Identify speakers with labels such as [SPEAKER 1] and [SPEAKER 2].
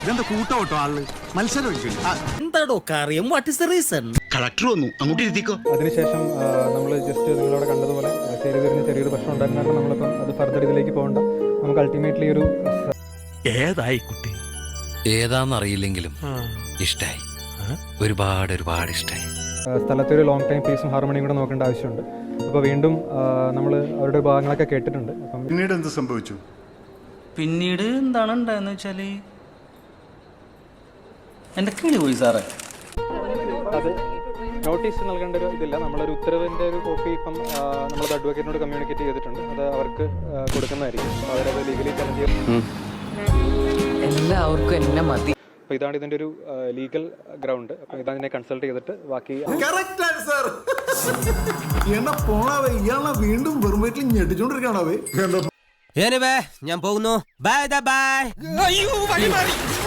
[SPEAKER 1] ഇതെന്താ കൂട്ടോട്ടോ ആള് മത്സരം
[SPEAKER 2] എന്താടോ കാര്യം? What is the reason?
[SPEAKER 1] Collector വന്നു, അങ്ങോട്ട് ഇരുത്തിക്കോ.
[SPEAKER 3] അതിനുശേഷം നമ്മൾ ജസ്റ്റ് നിങ്ങളവിടെ കണ്ടതുപോലെ ചെറിയൊരു പ്രശ്നം ഉണ്ടായിരുന്നപ്പോൾ നമ്മളിപ്പം അത് ഫർദർ ഇതിലേക്ക് പോകണ്ട. നമുക്ക് അൾട്ടിമേറ്റ്ലി ഒരു
[SPEAKER 2] ഏതായി കുട്ടി?
[SPEAKER 4] ഏതാന്നറിയില്ലെങ്കിലും ഇഷ്ടായി, ഒരുപാട് ഇഷ്ടായി.
[SPEAKER 3] സ്ഥലത്തെ ഒരു ലോങ് ടൈം പീസും ഹാർമണിയും കൂടെ നോക്കേണ്ട ആവശ്യമുണ്ട്. അപ്പോൾ വീണ്ടും നമ്മൾ അവരുടെ ഭാഗങ്ങളൊക്കെ കേട്ടിട്ടുണ്ട്. അപ്പം
[SPEAKER 1] പിന്നീട് എന്ത് സംഭവിച്ചു?
[SPEAKER 5] പിന്നീട് എന്താണ് ഉണ്ടായെന്ന് വെച്ചാല് എൻ്റെ കിളി പോയി സാറേ.
[SPEAKER 3] അത് നോട്ടീസ് നൽകേണ്ട ഒരു ഇതില്ല. നമ്മളൊരു ഉത്തരവിൻ്റെ ഒരു കോപ്പി ഇപ്പം നമ്മളത് അഡ്വക്കേറ്റിനോട് കമ്മ്യൂണിക്കേറ്റ് ചെയ്തിട്ടുണ്ട്. അത് അവർക്ക് കൊടുക്കുന്നതായിരിക്കും. അപ്പോൾ അവരത് ലീഗലി ചലഞ്ച് ചെയ്യും.
[SPEAKER 6] എല്ലാവർക്കും എന്നെ മതി.
[SPEAKER 3] അപ്പോൾ ഇതാണ് ഇതിൻ്റെ ഒരു ലീഗൽ ഗ്രൗണ്ട്. അപ്പോൾ ഇതതിനെ കൺസൾട്ട് ചെയ്തിട്ട് ബാക്കി
[SPEAKER 7] വീണ്ടും വെറും വീട്ടിൽ ഞെട്ടിച്ചോണ്ടിരിക്കണാവേ.
[SPEAKER 2] ഞാൻ പോകുന്നു. Bye bye. അയ്യോ വഴി മാറി.